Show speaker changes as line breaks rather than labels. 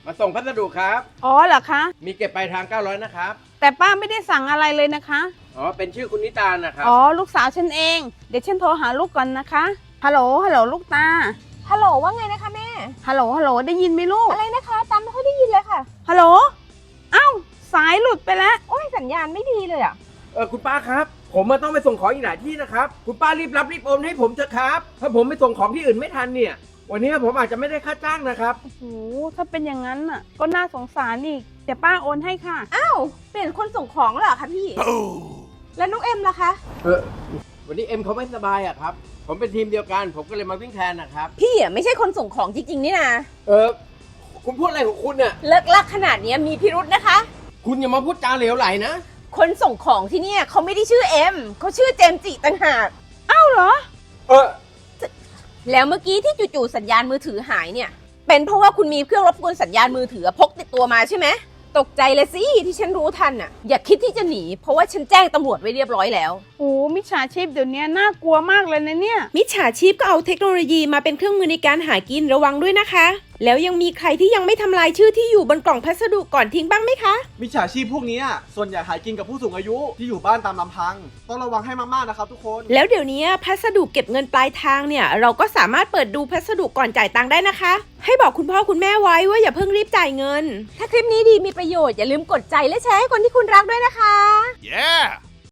มาส่งพัสดุครับ
อ๋อเหรอคะ
มีเก็บปลายทาง900นะครับ
แต่ป้าไม่ได้สั่งอะไรเลยนะคะ
อ๋อเป็นชื่อคุณนิตานะครับ
อ๋อลูกสาวฉันเอง เดี๋ยวฉันโทรหาลูกก่อนนะคะฮัลโหลลูกตา
ฮัลโหลว่าไงนะคะแม่
ฮัลโหลได้ยินไหมลูก
อะไรนะคะตามไม่ค่อยได้ยินเลยค่ะ
ฮัลโหลเอ้าสายหลุดไปแล้ว
โอ้ยสัญญาณไม่ดีเลยอ่ะ
คุณป้าครับ ผมมาต้องไปส่งของอีกหลายที่นะครับ คุณป้ารีบรับรีบโอนให้ผมเถอะครับ ถ้าผมไปส่งของที่อื่นไม่ทันเนี่ย วันนี้ผมอาจจะไม่ได้ค่าจ้างนะครับ
โอ้โหถ้าเป็นอย่างนั้นน่ะ ก็น่าสงสารอีกเดี๋ยวป้าโอนให้ค่ะ
อ้าวเปลี่ยนคนส่งของแล้วเหรอคะพี่ แล้วน้องเอ็มล่ะคะ
วันนี้เอ็มเขาไม่สบายอะครับ ผมเป็นทีมเดียวกัน ผมก็เลยมาวิ่งแทนนะครับ
พี่อ่ะไม่ใช่คนส่งของจริงๆนี่นะ
คุณพูดอะไรของคุณเนี่ย
เลิกลักขนาดนี้มีพิรุธนะคะ
คุณอย่ามาพูดจาเหลวไหลนะ
คนส่งของที่เนี่ยเขาไม่ได้ชื่อเอ็มเขาชื่อเจมส์จิต่างหาก
เอ้าเหรอ
แล้วเมื่อกี้ที่จู่ๆสัญญาณมือถือหายเนี่ย เป็นเพราะว่าคุณมีเครื่องรบกวนสัญญาณมือถือพกติดตัวมาใช่ไหมตกใจเลยสิที่ฉันรู้ทันอ่ะ อย่าคิดที่จะหนีเพราะว่าฉันแจ้งตำรวจไว้เรียบร้อยแล้ว
โอ้มิจฉาชีพเดี๋ยวนี้น่ากลัวมากเลยนะเนี่ย
มิจฉาชีพก็เอาเทคโนโลยีมาเป็นเครื่องมือในการหากินระวังด้วยนะคะ แล้วยังมีใครที่ยังไม่ทำลายชื่อที่อยู่บนกล่องพัสดุก่อนทิ้งบ้างไหมคะ
มิจฉาชีพพวกนี้ส่วนใหญ่หากินกับผู้สูงอายุที่อยู่บ้านตามลำพัง ต้องระวังให้มากๆนะครับทุกคน
แล้วเดี๋ยวนี้พัสดุเก็บเงินปลายทางเนี่ยเราก็สามารถเปิดดูพัสดุก่อนจ่ายตังค์ได้นะคะ ให้บอกคุณพ่อคุณแม่ไว้ว่าอย่าเพิ่งรีบจ่ายเงิน
ถ้าคลิปนี้ดีมีประโยชน์อย่าลืมกดใจและแชร์ให้คนที่คุณรักด้วยนะคะ
Yeah!